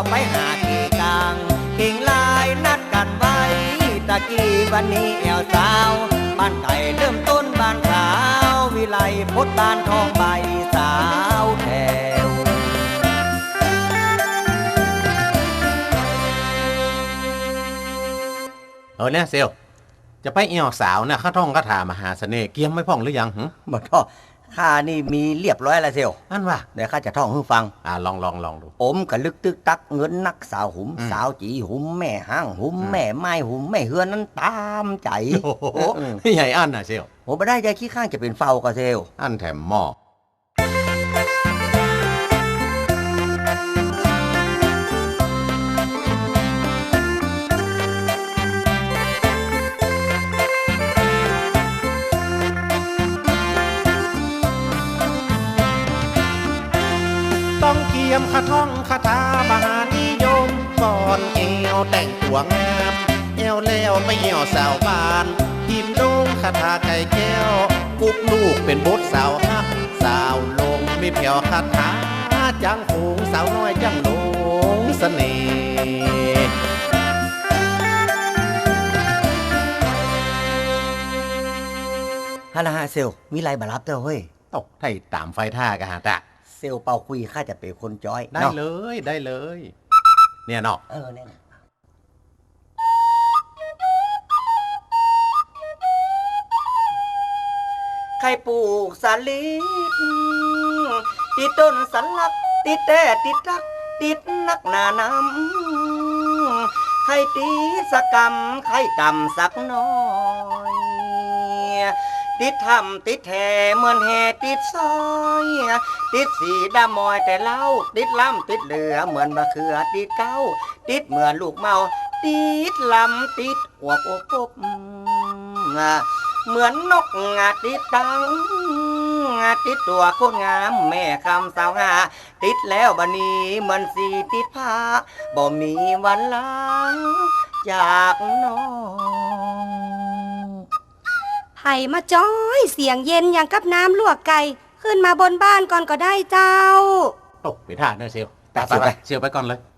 ไปหาที่กลางเก่งลายนัดกันไว้ตะกี้วันนี้แอวสาวบ้านไก่เริ่มต้นบ้านขาววิไลพดบ้านทองใบสาวแถวเนี่ยเซลจะไปเอี่ยวสาวเนี่ยข้าท่องคาถามหาเสน่ห์เกียมไม่พ่องหรือยังบ่ท่อข้านี่มีเรียบร้อยแล้วเซลอันว่าเดี๋ยวข้าจะท่องให้ฟังลองดูอมกะลึกตึกตักเงินนักสาวหุมสาวจีหุมแม่ห้างหุมแม่ไม้หุมแม่เฮือนนั้นตามใจโอ้โหใหญ่อันน่ะเซลโอ้ไม่ได้ใจขี้ข้างจะเป็นเฝ้ากะเซลอันแถมหม้อต้องเกียมคาท่องคาถามหานิยมก่อนเอวแต่งตัวงามเอวแล้วไปเหี่ยวสาวบ้านพิมพ์ลงคาถาไก่แก้วกุกลูกเป็นบทสาวฮักสาวลงมีเพียวคาถาจังหูงสาวน้อยจังหลงเสน่ห์ฮานาฮาเซลมีไรบารับเต้าเฮ้ยตกไทยตามไฟท่ากะฮะตะเซลเป่าคุยข้าจะเป็นคนจ้อยได้เลยเนี่ยเนาะเนี่ยใครปลูกสาลิดติดต้นสันลักติดแต่ติดรักติดนักหนาน้ำใครตีสกรรมใครกำสักน้อยติดทำติดแห่เหมือนแห่ติดซอยติดสีดำมอยแต่เล่าติดล้ำติดเหลือเหมือนมะเขือติดเก้าติดเหมือนลูกเมาติดลำติดอวบอบอบเหมือนนกติดตังติดตัวโคตรงามแม่คำสาวหาติดแล้วบัดนี้เหมือนสีติดผ้าบ่มีวันลาจากน้องไผ่มาจ้อยเสียงเย็นอย่างกับน้ำลวกไก่ขึ้นมาบนบ้านก่อนก็ได้เจ้าตกไปท่าเนอะเซลไปเซลไปก่อนเลย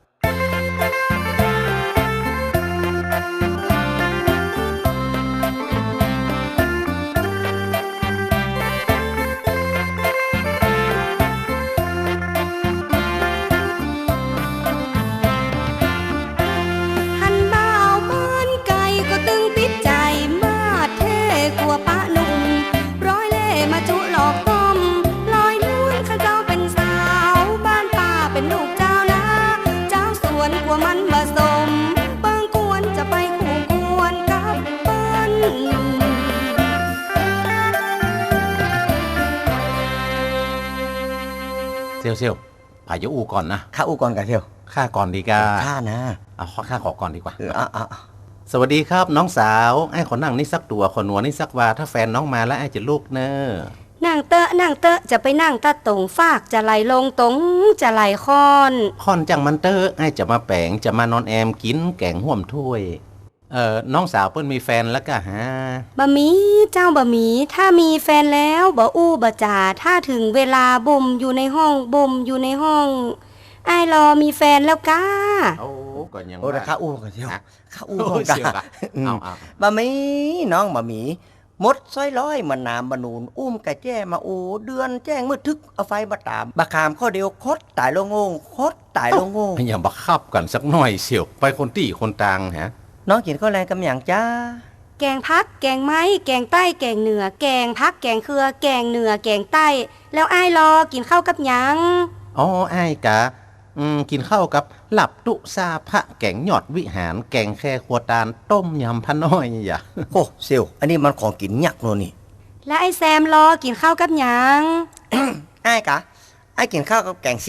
เซลพายุอูก่อนนะข้าอูก่อนกันเซลข้าก่อนดีกาข้านะข้าขอก่อนดีกว่าสวัสดีครับน้องสาวไอ้ขอนั่งนี่สักตัวขอหนัวนี่สักว่าถ้าแฟนน้องมาแล้วไอ้จะลูกเนอะนั่งเตอะจะไปนั่งตะตรงฟากจะไหลลงตรงจะไหลค่อนจังมันเตอะไอ้จะมาแปงจะมานอนแอมกินแกงห่วมถ้วยน้องสาวเปิ้นมีแฟนแล้วก็ฮะบะหมี่เจ้าบะหมี่ถ้ามีแฟนแล้วบ่อู้บ่จ่าถ้าถึงเวลาบ่มอยู่ในห้องไอ้รอมีแฟนแล้วก้าก่อนยังแต่ข้าอู้กันเชียวข้าอู้กันบะหมี่น้องบะหมี่มดซ้อยร้อยมันน้ำบะนูนกะแจ้มาเดือนแจ้งมืดทึกเอาไฟบะตามบะขามข้อเดียวคดตายลงงคดตายลงงอย่าบักคับกันสักหน่อยเชียวไปคนตี้คนต่างฮะน้องกินข้าวแรงกำอย่างจ้าแกงพักแกงไม้แกงใต้แกงเหนือแกงพักแกงเครือแกงเหนือแกงใต้แล้วอ้ายรอกินข้าวกับหยังอ้ายกะกินข้าวกับหลับตุซาพระแกงหยอดวิหารแกงแค่ขัวตาลต้มยำพะน้อยอย่าโอ้เซลอันนี้มันของกินยักษ์โน่นนี่แล้วไอ้แซมรอกินข้าวกับหยังอ้ายกะอ้ายกินข้าวกับแกง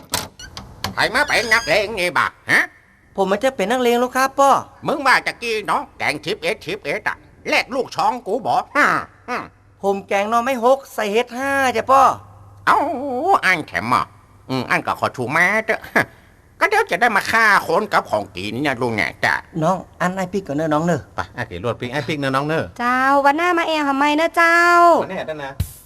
11 ใครมาเป็นนักเลงไงบักฮะผมมันจะเป็นนักเลงลูกครับป้อมึงว่าจะกี้เนาะแกง11อ่ะแลกลูกช้องกูบอกผมแกงนอไม่6ใส่เฮ็ด5จ้ะป้ออันแถมอ่ะอันก็ขอชูมาเถอะก็เดี๋ยวจะได้มาฆ่าคนกับของกินเนี่ยลุงเนี่ยจ้ะน้องอันไอ้ปิ๊กก่อนเนอะน้องเนอะไปไอ้เก๋รวดปิ๊กไอ้ปิ๊กเนอะน้องเนอะเจ้าวันหน้ามาแอลทำไมเนอะเจ้าวันนี้ได้นะ